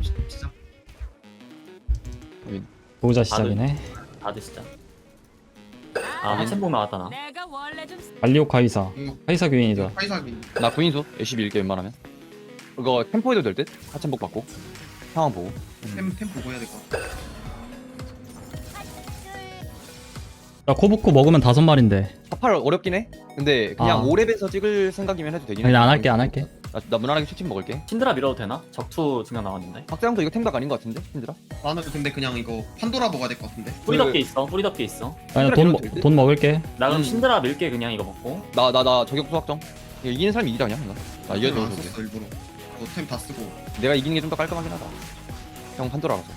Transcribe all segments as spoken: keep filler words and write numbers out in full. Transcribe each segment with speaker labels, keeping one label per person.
Speaker 1: 시작.
Speaker 2: 보자 시작이네.
Speaker 3: 다들 진짜. 아, 한참 보면 왔다 나.
Speaker 4: 내가 원래 좀
Speaker 2: 알리오 카이사.
Speaker 1: 이거
Speaker 2: 카이사 교인이다.
Speaker 1: 카이사기.
Speaker 5: 나 구인수 애쉬 밀게 웬만하면. 이거 템포 해도 될 듯? 하천복 받고 상황 보고.
Speaker 1: 템, 템 보고 해야 될 것 같아.
Speaker 2: 나 코브코 먹으면 다섯 마리인데.
Speaker 5: 사팔 어렵긴 해. 근데 그냥
Speaker 2: 아.
Speaker 5: 오 렙에서 찍을 생각이면 해도 되긴 해.
Speaker 2: 아니 안 할게 안 할게.
Speaker 5: 나, 나 무난하게 추팀 먹을게.
Speaker 3: 신드라 밀어도 되나? 적투 두 명 나왔는데.
Speaker 5: 박사형도 이거 템각 아닌 것 같은데? 힘들어?
Speaker 1: 나는 근데 그냥 이거 판도라 먹어야 될 것 같은데.
Speaker 3: 뿌리 덮개 있어. 뿌리 덮개 있어.
Speaker 2: 아니
Speaker 5: 신드라
Speaker 2: 돈,
Speaker 5: 밀어도 될 듯?
Speaker 2: 돈 먹을게.
Speaker 3: 나 그럼
Speaker 5: 음.
Speaker 3: 신드라 밀게 그냥 이거 먹고.
Speaker 5: 나 나 나 저격 소확정. 이거 이기는 사람이 이기자 그냥. 나 이겨도
Speaker 1: 안
Speaker 5: 좋게.
Speaker 1: 썼어 일부러. 너템 다 쓰고.
Speaker 5: 내가 이기는 게 좀 더 깔끔하긴 하다. 형 판도라라서.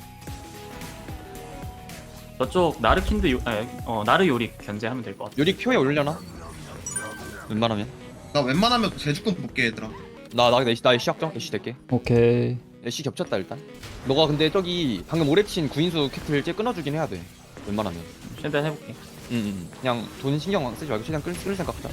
Speaker 3: 저쪽 나르킨드 요, 아, 어 나르 요리 견제하면 될 것 같아.
Speaker 5: 요리 표에 올려나? 웬만하면.
Speaker 1: 나 웬만하면 제주권 볼게 얘들아.
Speaker 5: 나나 애쉬 나 애쉬 확정. 애쉬 될게.
Speaker 2: 오케이.
Speaker 5: 애쉬 겹쳤다 일단. 너가 근데 저기 방금 오랩 친 구인수 캐틀 쟤 끊어주긴 해야 돼. 웬만하면.
Speaker 3: 최대한 해볼게.
Speaker 5: 응, 응. 그냥 돈 신경 쓰지 말고 최대한 끌, 끌 생각하자.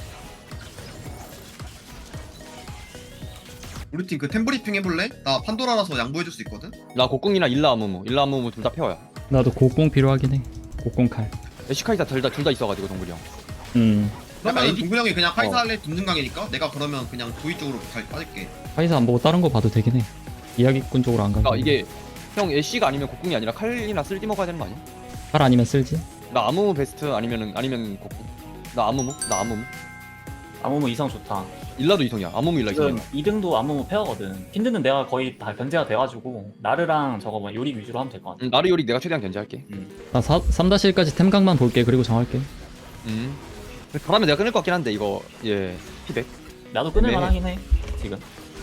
Speaker 1: 우리 팀 그 템 브리핑 해볼래? 나 판도라라서 양보해줄 수 있거든.
Speaker 5: 나 곡궁이나 일라 아무무, 일라 아무무 둘 다 페어야.
Speaker 2: 나도 곡공 필요하긴 해. 곡공 칼.
Speaker 5: 에시카이사 둘 다 둘 다 있어가지고 동글이 형.
Speaker 2: 음.
Speaker 1: 그러면
Speaker 5: 에이디-
Speaker 1: 동근 형이 그냥 카이사
Speaker 5: 어.
Speaker 1: 할래 듣는 강이니까 내가 그러면 그냥 도이 쪽으로 잘 빠질게.
Speaker 2: 카이사 안 보고 다른 거 봐도 되긴 해. 이야기꾼 쪽으로 안 가고.
Speaker 5: 그러니까 이게 형 애쉬가 아니면 곡궁이 아니라 칼이나 쓸디 먹어야 되는 거 아니야?
Speaker 2: 칼 아니면 쓸지.
Speaker 5: 나 아무무 베스트 아니면은 아니면 곡궁. 나 아무무, 나 아무무.
Speaker 3: 아무무 이성 좋다.
Speaker 5: 일라도 이성이야. 아무무 일라
Speaker 3: 지금
Speaker 5: 이성이야.
Speaker 3: 이 등도 아무무 페어거든. 킨드는 내가 거의 다 견제가 돼가지고 나르랑 저거 뭐 요리 위주로 하면 될 것 같아.
Speaker 5: 응, 나르 요리 내가 최대한 견제할게.
Speaker 2: 나 삼 일까지 템각만 볼게. 그리고 정할게.
Speaker 5: 음. 바라면 내가 끊을 것 같긴 한데 이거 예 피백
Speaker 3: 나도 끊을만
Speaker 5: 네.
Speaker 3: 하긴 해. 지금.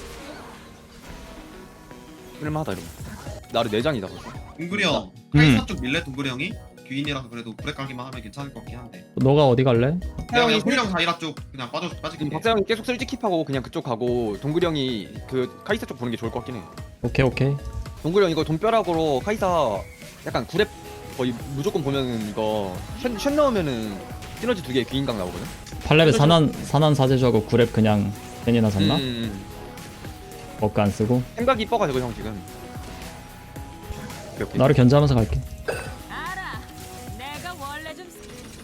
Speaker 5: 끊을만하다 이러면. 나르 내장이다 벌써.
Speaker 1: 동근이 형
Speaker 2: 음.
Speaker 1: 카이사 쪽 밀래 동근이 형이? 귀인이라서 그래도 브레 까기만 하면 괜찮을 것 같긴 한데.
Speaker 2: 너가 어디 갈래?
Speaker 1: 내가 그냥 소리랑 다이라 쪽 그냥 빠져 빠질게.
Speaker 5: 지금 박사형이 계속 쓸지 킵하고 그냥 그쪽 가고 동글이 형이 그 카이사 쪽 보는 게 좋을 것 같긴 해.
Speaker 2: 오케이 오케이.
Speaker 5: 동글이 형 이거 돈벼락으로 카이사 약간 구랩 거의 무조건 보면은 이거 쉔, 쉔 넣으면은 시너지 두 개 귀인각 나오거든.
Speaker 2: 팔 렙에 산한 산한 사제주하고 구 렙 그냥 펜이나 샀나?
Speaker 5: 음,
Speaker 2: 버크 안 쓰고.
Speaker 5: 생각이 이뻐가지고 형 지금. 오케이, 오케이.
Speaker 2: 나를 견제하면서 갈게.
Speaker 4: 알아. 내가 원래 좀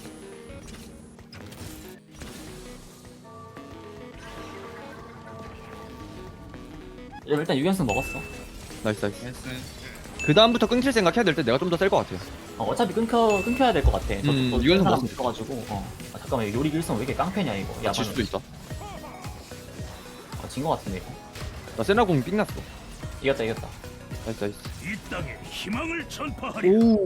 Speaker 3: 일단 유연승 먹었어.
Speaker 5: 나이스 나이스.
Speaker 1: 나이스.
Speaker 5: 그 다음부터 끊길 생각 해야 될 때 내가 좀 더 셀 것 같아.
Speaker 3: 어, 어차피 끊겨 끊겨야 될 것 같아. 저
Speaker 5: 음,
Speaker 3: 또
Speaker 5: 유연승
Speaker 3: 사람
Speaker 5: 먹었으면
Speaker 3: 있어가지고. 어. 아, 잠깐만 이거 요리 일성 왜 이렇게 깡패냐 이거.
Speaker 5: 아, 질 수도 있어.
Speaker 3: 어, 진거 같은데 이거.
Speaker 5: 나 세나공 삥났어.
Speaker 3: 이겼다 이겼다.
Speaker 5: 나이스 나이스.
Speaker 6: 이 땅에 희망을 전파하리.
Speaker 5: 오.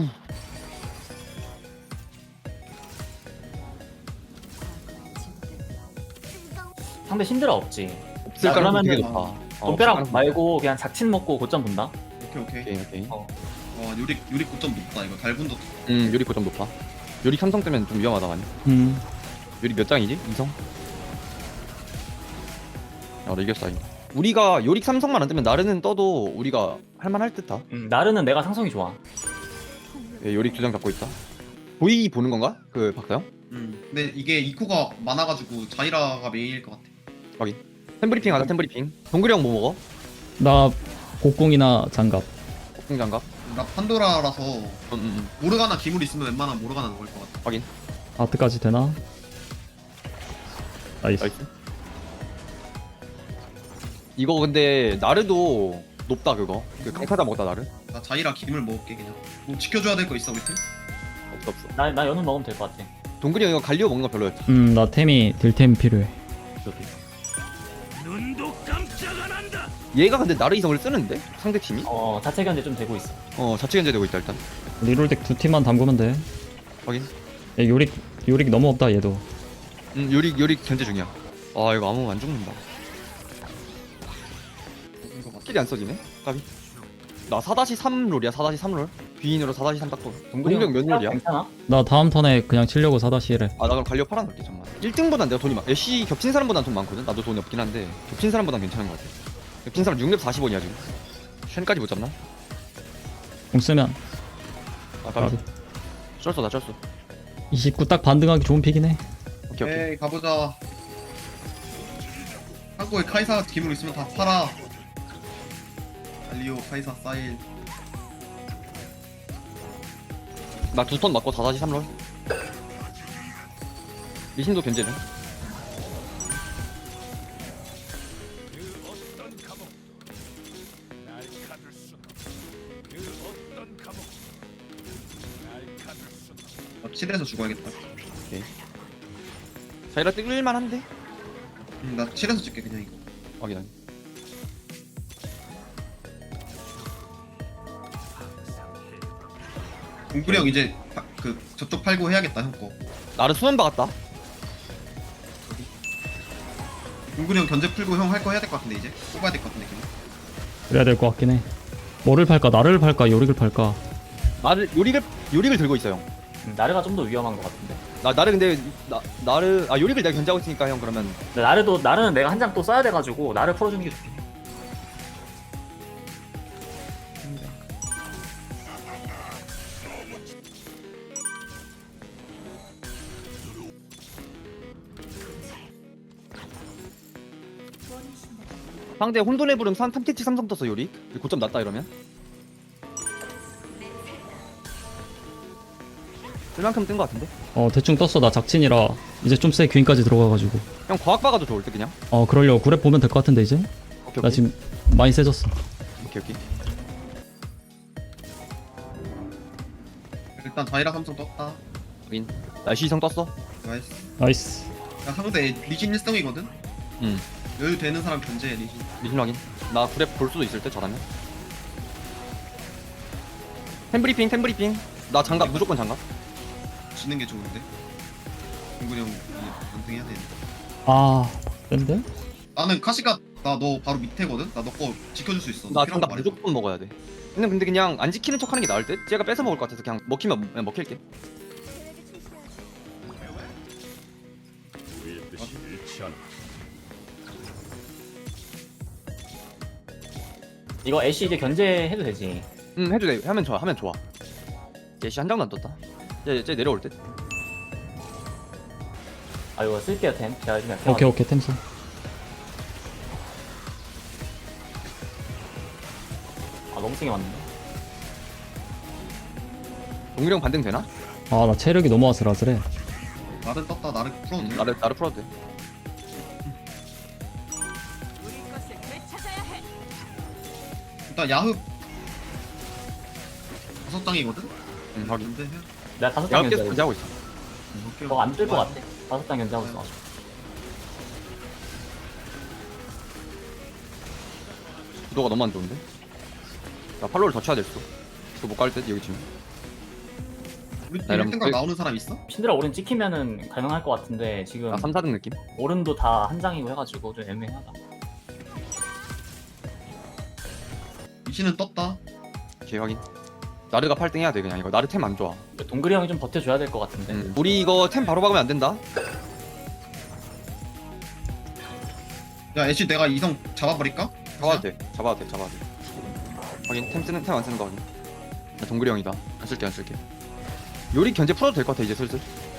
Speaker 3: 상대 신드라 없지.
Speaker 5: 없을
Speaker 3: 야,
Speaker 5: 가능성 되게
Speaker 3: 그러면은
Speaker 5: 높아. 어,
Speaker 3: 돈벼락
Speaker 5: 없을 가능성
Speaker 3: 말고 그냥 작친 먹고 고점 본다.
Speaker 1: 오케이 오케이.
Speaker 5: 오케이 오케이.
Speaker 3: 어.
Speaker 1: 와 요리 요리 고점 높다 이거. 달분도
Speaker 5: 음 요리 고점 높아. 요리 삼성 뜨면 좀 위험하다 많이.
Speaker 2: 음.
Speaker 5: 요리 몇 장이지? 이성? 야, 나 이겼어 이거. 우리가 요리 삼성만 안 뜨면 나르는 떠도 우리가 할만할 듯하.
Speaker 3: 음, 나르는 내가 상성이 좋아.
Speaker 5: 예, 요리 두 장 잡고 있다. 보이 보는 건가? 그 박사형?
Speaker 1: 음. 근데 이게 이코가 많아가지고 자이라가 메인일 것 같아.
Speaker 5: 템브리핑 하자 템브리핑. 동글이 형 뭐 먹어?
Speaker 2: 나 곡공이나 장갑.
Speaker 5: 폭풍 장갑?
Speaker 1: 나 판도라라서
Speaker 5: 음, 음, 음.
Speaker 1: 모르가나 기물 있으면 웬만하면 모르가나 먹을 것 같아.
Speaker 5: 확인.
Speaker 2: 아트까지 되나? 나이스.
Speaker 5: 나이스. 이거 근데 나르도 높다 그거. 그 강타다 먹다 나르?
Speaker 1: 나 자이라 기물 먹을게 그냥. 뭐 지켜줘야 될 거 있어 우리 팀?
Speaker 5: 없어 없어.
Speaker 3: 나, 나 연은 먹으면 될 것 같아.
Speaker 5: 동글이 형 이거 갈리오 먹는 거 별로였지.
Speaker 2: 음, 나 템이 딜템 필요해.
Speaker 6: 눈도 깜짝 안 한다.
Speaker 5: 얘가 근데 나르 이성을 쓰는데? 상대 팀이?
Speaker 3: 어, 자체 견제 좀 되고 있어.
Speaker 5: 어 자체 견제되고 있다 일단.
Speaker 2: 리롤덱 두 팀만 담그면 돼.
Speaker 5: 확인.
Speaker 2: 얘 요릭 요릭 너무 없다 얘도.
Speaker 5: 음 요리 요리 견제 중이야. 아 이거 아무 안 죽는다.
Speaker 1: 이거 맞
Speaker 5: 킬이 안 써지네? 까비. 나 사 삼 롤이야 사 삼 롤. 귀인으로 사 삼 딱 보. 동글이 형 몇 롤이야?
Speaker 3: 괜찮아?
Speaker 2: 나 다음 턴에 그냥 치려고 사다시를.
Speaker 5: 아 나 그럼 갈리오 팔아놓을게 잠만. 일 등보단 내가 돈이 많. 애쉬 겹친 사람보단 돈 많거든. 나도 돈이 없긴 한데 겹친 사람보단 괜찮은 것 같아. 겹친 사람 육 렙 사십 원이야 지금. 쉔까지 못 잡나?
Speaker 2: 공 쓰면
Speaker 5: 아 까비. 쩔어 나 쩔어.
Speaker 2: 이십구 딱 반등하기 좋은 픽이네.
Speaker 5: 오케이 오케이.
Speaker 1: 에이 가보자. 한국에 카이사 기물 있으면 다 팔아. 갈리오, 카이사, 사일.
Speaker 5: 나 두 턴 맞고 사 사시 삼 롤. 리신도 견제네.
Speaker 1: 나 칠에서 죽어야겠다.
Speaker 5: 자이라 뜰만 한데.
Speaker 1: 음, 나 칠에서 찍게 그냥 이거.
Speaker 5: 확인 확인.
Speaker 1: 동굴이 형 이제 파- 그 저쪽 팔고 해야겠다 형 거.
Speaker 5: 나를 수면 박았다.
Speaker 1: 동굴이 형 견제 풀고 형 할 거 해야 될 것 같은데 이제 뽑아야 될 것 같은데 그냥.
Speaker 2: 그래야 될 것 같긴 해. 뭐를 팔까? 나를 팔까? 요릭을 팔까?
Speaker 5: 나를 요릭을 요릭을 들고 있어 형.
Speaker 3: 음, 나르가 좀 더 위험한 것 같은데.
Speaker 5: 나 나를 근데 나 나를 아 요릭을 내가 견제하고 있으니까 형 그러면
Speaker 3: 근데 나르도 나르는 내가 한 장 또 써야 돼가지고 나를 풀어주는 게 좋긴 해.
Speaker 5: 상대 혼돈의 부름 삼 탐캐치 삼성 떴어 요릭. 고점 낮다 이러면. 쓸만큼 뜬 거 같은데?
Speaker 2: 어 대충 떴어. 나 작친이라 이제 좀 세 퀸까지 들어가가지고.
Speaker 5: 형 과학 박아도 좋을 때 그냥.
Speaker 2: 어 그러려고 구랩 보면 될 것 같은데 이제.
Speaker 5: 오케이
Speaker 2: 나
Speaker 5: 오케이.
Speaker 2: 지금 많이 세졌어.
Speaker 5: 오케이 오케이.
Speaker 1: 일단 자이라 삼성 떴다.
Speaker 5: 확인. 날씨 이성 떴어.
Speaker 1: 나이스.
Speaker 2: 나이스.
Speaker 1: 야 상대 리신 일 성이거든.
Speaker 5: 응.
Speaker 1: 여유 되는 사람 견제해 리신.
Speaker 5: 리신 확인. 나 그랩 볼 수도 있을 때 저라면. 템브리핑 템브리핑. 나 장갑 무조건 장갑.
Speaker 1: 지는 게 좋은데. 동굴이 형 연승해야 돼.
Speaker 2: 아 근데?
Speaker 1: 나는 카시가 나 너 바로 밑에거든. 나 너 거 지켜줄 수 있어.
Speaker 5: 나
Speaker 1: 필요한
Speaker 5: 장갑
Speaker 1: 거 말해줘.
Speaker 5: 무조건 먹어야 돼. 근데 근데 그냥 안 지키는 척하는 게 나을 듯? 쟤가 뺏어 먹을 것 같아서 그냥 먹히면 그냥 먹힐게.
Speaker 6: 우리의 뜻이 일치하는
Speaker 3: 이거 애쉬 이제 견제해도 되지.
Speaker 5: 응 해도 돼. 하면 좋아. 하면 좋아. 예시 한 장도 안 떴다. 쟤, 쟤 내려올 듯.
Speaker 3: 아 이거 쓸게요 템. 제가 지금 약해가지고.
Speaker 2: 오케이 오케이 템스.
Speaker 3: 아 너무 세게 맞는데.
Speaker 5: 동일형 반등 되나?
Speaker 2: 아 나 체력이 너무 아슬아슬해.
Speaker 1: 나를 떴다. 나를 풀어도
Speaker 5: 응,
Speaker 1: 돼.
Speaker 5: 나를 나를 풀어도 돼.
Speaker 4: 우리 것을 되찾아야 해.
Speaker 1: 일단 야흡 다섯 장이거든.
Speaker 5: 응 확인.
Speaker 1: 근데 해.
Speaker 3: 내가 다섯 장
Speaker 5: 야합 계속
Speaker 3: 견제.
Speaker 5: 견제하고 있어.
Speaker 3: 너가 안뜰 것 같아. 다섯 장 견제하고 있어.
Speaker 5: 구도가 너무 안 좋은데? 나 팔로우를 더 쳐야 될 수도. 이거 못 갈 듯 여기 지금.
Speaker 1: 우리 팀
Speaker 5: 이러면
Speaker 1: 일 등각
Speaker 5: 거의-
Speaker 1: 나오는 사람 있어?
Speaker 3: 신드라 오른 찍히면은 가능할 것 같은데 지금
Speaker 5: 나 삼, 사 등 느낌?
Speaker 3: 오른도 다 한 장이고 해가지고 좀 애매하다.
Speaker 1: 리신은 떴다.
Speaker 5: 오케이 확인. 나르가 팔 등 해야 돼 그냥 이거. 나르 템 안 좋아.
Speaker 3: 동글이 형이 좀 버텨줘야 될 것 같은데.
Speaker 5: 응. 우리 이거 템 바로 박으면 안 된다.
Speaker 1: 야 애쉬 내가 이성 잡아버릴까?
Speaker 5: 잡아도 돼. 잡아도 돼. 잡아도 돼. 확인. 템 쓰는 템 안 쓰는 거 확인. 나 동글이 형이다. 안 쓸게 안 쓸게. 요리 견제 풀어도 될 것 같아 이제 슬슬.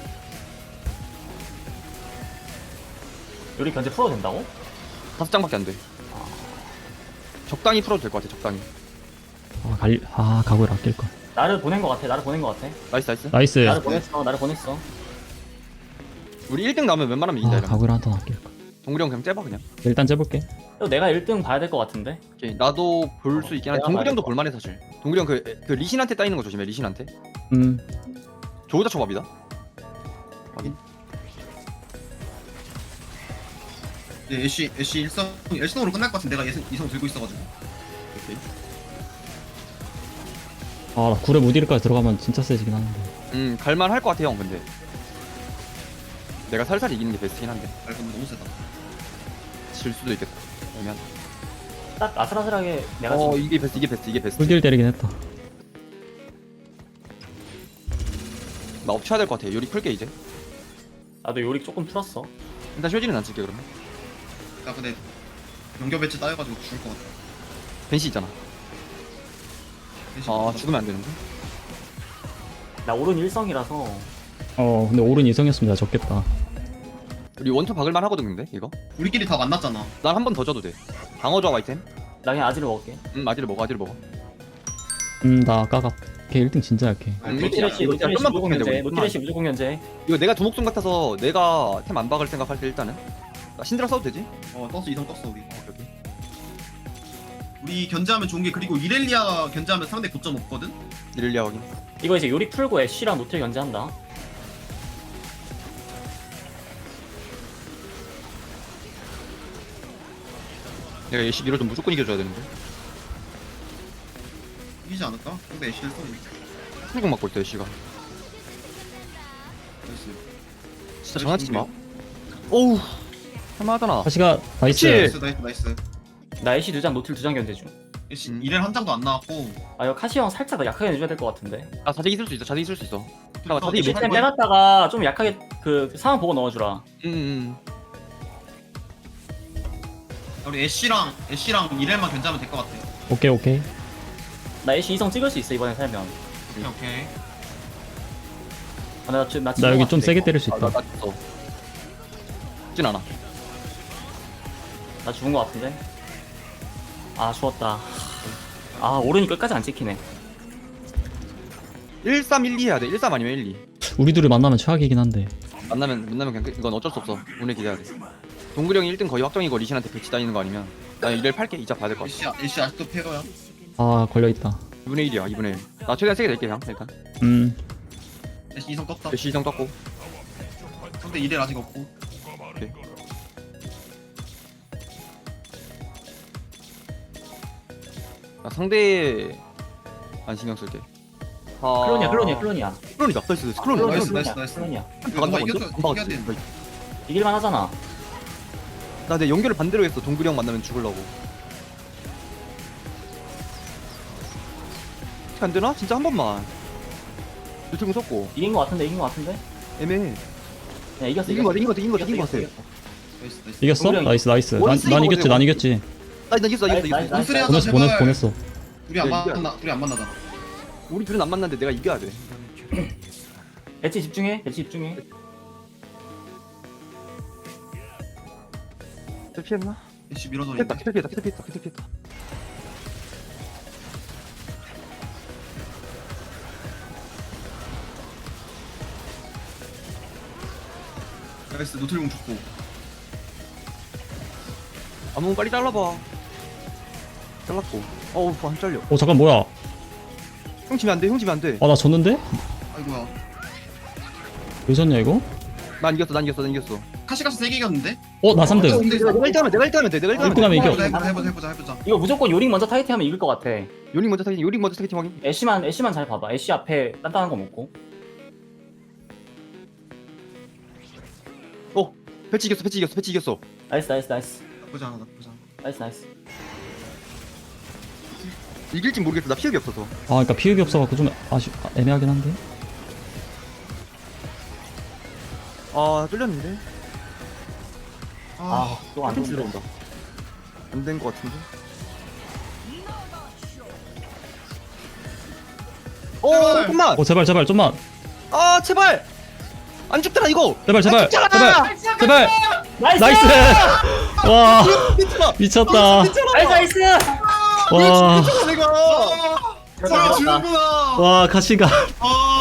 Speaker 3: 요리 견제 풀어도 된다고?
Speaker 5: 다섯 장밖에 안 돼. 적당히 풀어도 될 것 같아 적당히.
Speaker 2: 아 갈. 아 각을 아낄 걸.
Speaker 3: 나를 보낸 것 같아. 나를 보낸 것 같아.
Speaker 5: 나이스 나이스.
Speaker 2: 나이스.
Speaker 3: 나를 보냈어. 나를 보냈어.
Speaker 5: 우리 일 등 나오면 웬만하면 이긴다
Speaker 2: 아
Speaker 5: 이러면.
Speaker 2: 각을 한 턴 아낄 걸.
Speaker 5: 동글이 형 그냥 째봐 그냥.
Speaker 2: 일단 째볼게.
Speaker 3: 그리고 내가 일 등 봐야 될 것 같은데.
Speaker 5: 오케이. 나도 볼 수 있긴 한데
Speaker 3: 내가
Speaker 5: 동글이 형도
Speaker 3: 봐야
Speaker 5: 볼만해 사실. 동글이 형 그 그 리신한테 따이는 거 조심해 리신한테.
Speaker 2: 음.
Speaker 5: 조우자 초밥이다. 확인.
Speaker 1: 이제 애쉬 애쉬 일성 일성으로 끝날 것 같은데 내가 예성, 이성 들고 있어가지고.
Speaker 5: 오케이.
Speaker 2: 아나 구랩 우디르까지 들어가면 진짜 세지긴 하는데.
Speaker 5: 음 갈만 할 것 같아 형 근데. 내가 살살 이기는 게 베스트긴 한데
Speaker 1: 아 이건 너무 세다.
Speaker 5: 질 수도 있겠다. 그러면.
Speaker 3: 딱 아슬아슬하게 내가
Speaker 5: 어
Speaker 3: 지금
Speaker 5: 이게 베스트 이게 베스트 이게 베스트.
Speaker 2: 풀딜 때리긴 했다.
Speaker 5: 나 업쳐야 될 것 같아. 요리 풀게 이제.
Speaker 3: 나도 요리 조금 풀었어.
Speaker 5: 일단 쇼지는 안 쓸게 그러면.
Speaker 1: 나 근데 연결 배치 따여가지고 죽을 것 같아.
Speaker 5: 벤시 있잖아.
Speaker 1: 애쉬
Speaker 5: 아
Speaker 1: 떴다.
Speaker 5: 죽으면 안 되는데.
Speaker 3: 나 오른 일성이라서
Speaker 2: 어 근데 오른 이성이었으면 나 졌겠다.
Speaker 5: 우리 원투 박을만 하거든 근데 이거.
Speaker 1: 우리끼리 다 만났잖아.
Speaker 5: 난 한 번 더 줘도 돼. 방어 조합 아이템.
Speaker 3: 나 그냥 아지를 먹을게.
Speaker 5: 음 아지를 먹어 아지를 먹어.
Speaker 2: 음나 까갑. 걔 일 등 진짜 약해.
Speaker 5: 음,
Speaker 3: 노티레시
Speaker 5: 이거
Speaker 3: 노티레시
Speaker 5: 좀만
Speaker 3: 무조건
Speaker 5: 먹으면
Speaker 3: 견제.
Speaker 5: 돼, 우리.
Speaker 3: 노티레시 무조건 견제.
Speaker 5: 이거 내가 두목숨 같아서 내가 템 안 박을 생각할 때 일단은 나 신드라 써도 되지?
Speaker 1: 어 떴어 이성 떴어 우리.
Speaker 5: 여기.
Speaker 1: 우리 견제하면 좋은 게 그리고 이렐리아 견제하면 상대 고점 없거든.
Speaker 5: 이럴리아 확인.
Speaker 3: 이거 이제 요리 풀고 애쉬랑 노틸 견제한다.
Speaker 5: 내가 예시 밀어 좀 무조건 이겨줘야 되는데.
Speaker 1: 이기지 않을까? 상대 애쉬를 쏘.
Speaker 5: 풀공 맞고 있다 예시가.
Speaker 1: 나이스.
Speaker 5: 진짜 장난치지 마. 오우. 할만하잖아.
Speaker 2: 다시가 나이스.
Speaker 1: 나이스 나이스 나이스.
Speaker 3: 나 애쉬 두 장, 노틸 두 장 견제 중.
Speaker 1: 애쉬
Speaker 5: 음.
Speaker 1: 이렐 한 장도 안 나왔고.
Speaker 3: 아 이거 카시 형 살짝 약하게 내줘야 될 것 같은데.
Speaker 5: 아 자제 있을 수 있어. 자제 있을 수 있어. 잠깐만 자제
Speaker 1: 이제
Speaker 5: 몇
Speaker 3: 템
Speaker 1: 거야?
Speaker 3: 빼놨다가 좀 약하게 그 상황 보고 넣어주라.
Speaker 5: 음, 음.
Speaker 1: 우리 애쉬랑 애쉬랑 이렐만 견제하면 될 것 같아.
Speaker 2: 오케이 오케이.
Speaker 3: 나 애쉬 이성 찍을 수 있어 이번에 살면.
Speaker 1: 오케이 오케이.
Speaker 3: 아, 나, 지- 나,
Speaker 2: 나 여기 좀 세게 때릴 수
Speaker 5: 아, 나,
Speaker 2: 있다.
Speaker 5: 나 죽어. 죽진 않아.
Speaker 3: 나 죽은 것 같은데. 아 죽었다. 아 오른이 끝까지 안 찍히네.
Speaker 5: 일 삼 일 이 해야 돼. 일 삼 아니면 일 이.
Speaker 2: 우리 둘이 만나면 최악이긴 한데.
Speaker 5: 만나면 만나면 그냥 끝. 이건 어쩔 수 없어. 운에 기대야 돼. 동글이 형이 일 등 거의 확정이고 리신한테 배치 다니는 거 아니면 나 이를 팔게. 이자 받을 거 같아.
Speaker 1: 애쉬 애쉬 아직도 페어야.
Speaker 2: 아 걸려 있다.
Speaker 5: 이분의 일이야. 이분의 일. 나 최대한 세게 낼게 그냥 일단.
Speaker 2: 음.
Speaker 1: 애쉬 이성 떴다.
Speaker 5: 배치 이상 떴고.
Speaker 1: 상대 이렐 아직 없고.
Speaker 5: 나 상대 안 신경 쓸게. 아...
Speaker 3: 클론이야 클론이야 클론이야.
Speaker 5: 클론이다. 나이스. 나이스. 클론.
Speaker 1: 나이스,
Speaker 5: 나이스.
Speaker 1: 나이스, 나이스.
Speaker 3: 클론이야.
Speaker 1: 이거 누가 이겨줘
Speaker 5: 안
Speaker 1: 이겨야
Speaker 5: 박았지.
Speaker 1: 돼.
Speaker 3: 이길만 하잖아.
Speaker 5: 나내 연결을 반대로 했어. 동글이 형 만나면 죽으려고. 안 되나? 진짜 한 번만. 유튜브 썼고.
Speaker 3: 이긴 것 같은데 이긴 것 같은데.
Speaker 5: 애매해.
Speaker 3: 야 이겼어
Speaker 5: 이긴 거 같아. 이긴 거 같아. 이긴 거 같아. 이긴 거 같아.
Speaker 1: 나이스 나이스.
Speaker 2: 이겼어?
Speaker 3: 동그랑이.
Speaker 2: 나이스 나이스. 난,
Speaker 5: 원스
Speaker 2: 난
Speaker 5: 이거
Speaker 2: 이겼지.
Speaker 5: 어때?
Speaker 2: 난 이겼지.
Speaker 5: 나 나 이겼어. 이겼어.
Speaker 3: 나이스,
Speaker 5: 이겼어.
Speaker 3: 나이스,
Speaker 1: 원스리 하자
Speaker 2: 보냈어 보냈어
Speaker 1: 제발.
Speaker 2: 보냈어.
Speaker 1: 우리 안
Speaker 5: 야, 이겨.
Speaker 1: 만나 우리 안 만나잖아.
Speaker 5: 우리 둘은 안 만났는데 내가 이겨야 돼.
Speaker 3: 배치 집중해 배치 집중해.
Speaker 5: 저 피했나?
Speaker 1: 애쉬 밀어줘.
Speaker 5: 피했다. 피했다. 피했다. 피했다. 피했다. 피했다.
Speaker 1: 나이스 노틀공 죽고.
Speaker 5: 아무 빨리 잘라봐. 잘랐고. 어우 안 잘려.
Speaker 2: 어 잠깐 뭐야?
Speaker 5: 형 지면 안 돼. 형 지면 안 돼.
Speaker 2: 아 나 졌는데?
Speaker 1: 아이고야.
Speaker 2: 왜 졌냐 이거?
Speaker 5: 난 이겼어. 난 이겼어. 난 이겼어.
Speaker 1: 카시가시 세개 이겼는데?
Speaker 2: 어 나 삼 등.
Speaker 1: 어,
Speaker 5: 내가 내가 일 등 하면 내가 일 등 하면 돼. 내가 일 등
Speaker 2: 일 등
Speaker 5: 하면 돼.
Speaker 2: 하면 이겨.
Speaker 1: 해보자 해보자 해보자 해보자 해보자.
Speaker 3: 이거 무조건 요링 먼저 타이트하면 이길 것 같아.
Speaker 5: 요링 먼저 타겟팅. 요링 먼저 타겟팅 확인.
Speaker 3: 애쉬만 애쉬만 잘 봐봐. 애쉬 앞에 단단한 거 먹고.
Speaker 5: 어. 배치 이겼어. 배치 이겼어. 배치 이겼어.
Speaker 3: 나이스 나이스 나이스
Speaker 1: 나쁘지 않아 나쁘지 않아.
Speaker 3: 나이스 나이스.
Speaker 5: 이길진 모르겠어. 나 피흡이 없어서.
Speaker 2: 아 그러니까 피흡이 없어갖고 좀 아쉬 아, 애매하긴 한데.
Speaker 5: 아 뚫렸는데.
Speaker 1: 아,
Speaker 3: 아또안
Speaker 5: 핀
Speaker 3: 들어.
Speaker 5: 들어온다. 안 된 거 같은데. 오
Speaker 1: 제발.
Speaker 5: 잠깐만.
Speaker 2: 어 제발 제발 좀만.
Speaker 5: 아 제발. 안 죽더라 이거.
Speaker 2: 제발 제발
Speaker 5: 아, 죽잖아!
Speaker 2: 제발 제발.
Speaker 3: 나이스
Speaker 2: 나이스. 와
Speaker 5: 미쳤다.
Speaker 2: 미쳤다.
Speaker 3: 나이스 나이스.
Speaker 2: 와.
Speaker 5: 내가.
Speaker 1: 아, 설마 주는구나.
Speaker 2: 와 가시가.
Speaker 1: 아